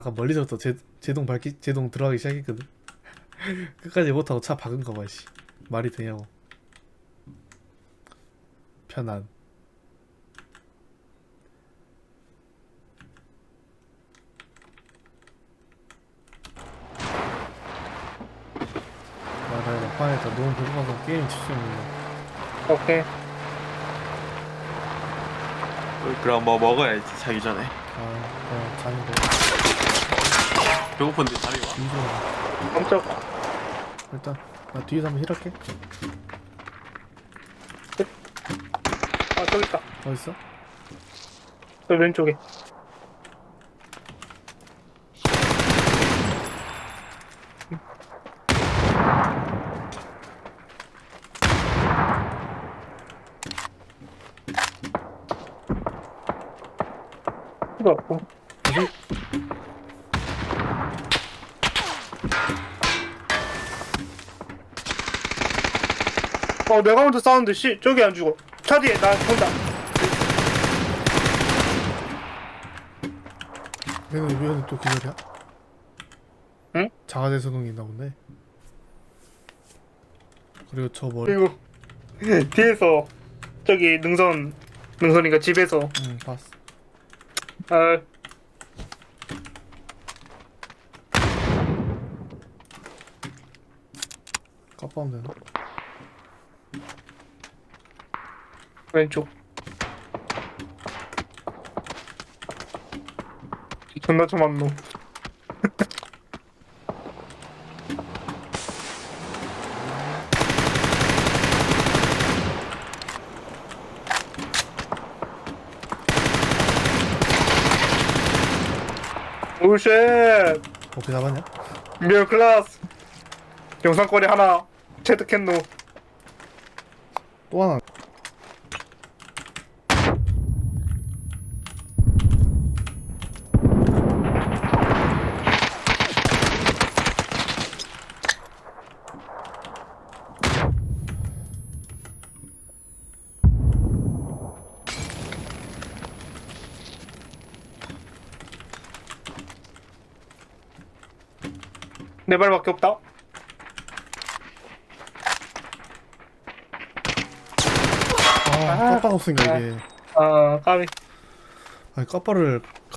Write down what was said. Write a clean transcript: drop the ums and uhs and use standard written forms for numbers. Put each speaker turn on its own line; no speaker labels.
아까 멀리서부터 제동 들어가기 시작했거든. 끝까지 못하고 차 박은 거 봐, 씨. 말이 되냐고. 편안. 맞아, 막판에 다 너무 배고파서 게임 집중했네.
오케이.
그럼 뭐 먹어야지 자기 전에.
그냥 자는 거.
배고픈데 잠이 와?
뒤져.
깜짝.
일단 나 뒤에서 한번 힐할게.
아, 저기 있다.
어딨어?
저 왼쪽에. 이거 없고. 내가 먼저 싸우는데 저기 안 죽어. 차 뒤에 나 본다.
얘는 왜 또 기절이야?
응?
자가제 수능이 있나 본데. 그리고 저 머리.
그리고 뒤에서 저기 능선이가 집에서
응, 봤어.
아,
깜빡하면 되나?
왼쪽. 존나 좀 안 놓. 오쉣.
어떻게 잡았냐?
미어 클라스. 영상거리 하나 체득했노.
또 하나.
네 발밖에 없다.
깜빡 없으니까 이게.
까비.
아니, 까빠를